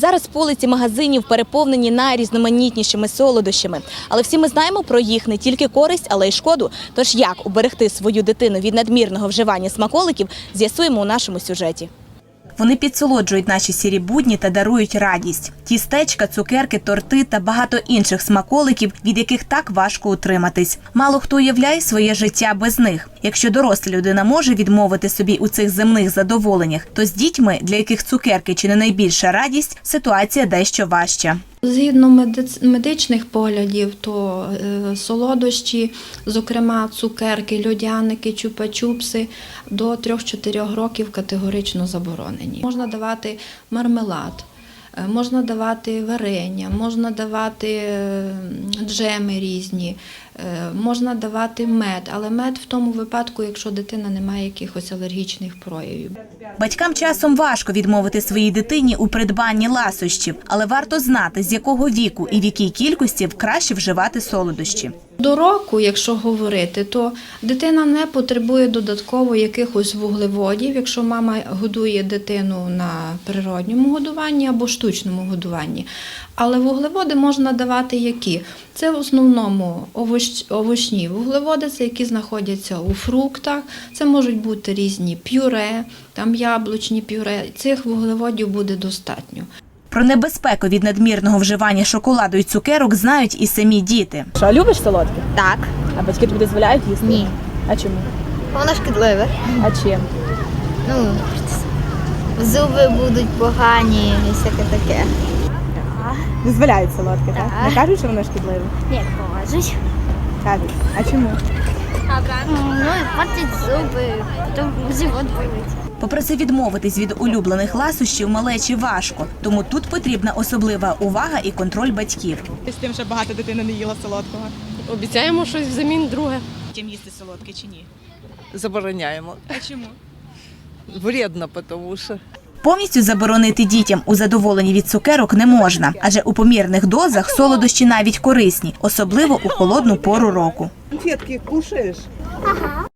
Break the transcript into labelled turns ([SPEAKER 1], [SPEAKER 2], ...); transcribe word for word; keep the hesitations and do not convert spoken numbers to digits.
[SPEAKER 1] Зараз полиці магазинів переповнені найрізноманітнішими солодощами. Але всі ми знаємо про їх не тільки користь, але й шкоду. Тож як уберегти свою дитину від надмірного вживання смаколиків, з'ясуємо у нашому сюжеті. Вони підсолоджують наші сірі будні та дарують радість. Тістечка, цукерки, торти та багато інших смаколиків, від яких так важко утриматись. Мало хто уявляє своє життя без них. Якщо доросла людина може відмовити собі у цих земних задоволеннях, то з дітьми, для яких цукерки чи не найбільша радість, ситуація дещо важча.
[SPEAKER 2] Згідно медичних поглядів, то солодощі, зокрема цукерки, льодяники, чупа-чупси, до трьох-чотирьох років категорично заборонені. Можна давати мармелад, можна давати варення, можна давати джеми різні, можна давати мед, але мед в тому випадку, якщо дитина не має якихось алергічних проявів.
[SPEAKER 1] Батькам часом важко відмовити своїй дитині у придбанні ласощів, але варто знати, з якого віку і в якій кількості краще вживати солодощі.
[SPEAKER 2] До року, якщо говорити, то дитина не потребує додатково якихось вуглеводів, якщо мама годує дитину на природньому годуванні або штучному годуванні. Але вуглеводи можна давати які? Це в основному овоч, овочні вуглеводи, це які знаходяться у фруктах, це можуть бути різні пюре, там яблучні пюре, цих вуглеводів буде достатньо.
[SPEAKER 1] Про небезпеку від надмірного вживання шоколаду і цукерок знають і самі діти.
[SPEAKER 3] Що, любиш солодке?
[SPEAKER 4] Так.
[SPEAKER 3] А батьки тобі дозволяють їсти?
[SPEAKER 4] Ні.
[SPEAKER 3] А чому?
[SPEAKER 4] Воно шкідливе.
[SPEAKER 3] А чим?
[SPEAKER 4] Ну, зуби будуть погані і всяке таке.
[SPEAKER 3] Дозволяють солодке, так?
[SPEAKER 4] Так.
[SPEAKER 3] Не кажуть, що воно шкідливе?
[SPEAKER 4] Як кажуть.
[SPEAKER 3] Кажуть. А чому?
[SPEAKER 4] Ну, портять зуби, потім живот болить.
[SPEAKER 1] Попри це, відмовитись від улюблених ласощів малечі важко, тому тут потрібна особлива увага і контроль батьків.
[SPEAKER 3] З тим, що багато дитина не їла солодкого.
[SPEAKER 5] Обіцяємо щось взамін друге.
[SPEAKER 1] Чим їсти солодке чи ні?
[SPEAKER 6] Забороняємо.
[SPEAKER 1] А чому?
[SPEAKER 6] Вредно, тому що.
[SPEAKER 1] Повністю заборонити дітям у задоволенні від цукерок не можна, адже у помірних дозах солодощі навіть корисні, особливо у холодну пору року.
[SPEAKER 6] Конфетки кушаєш?
[SPEAKER 4] Ага.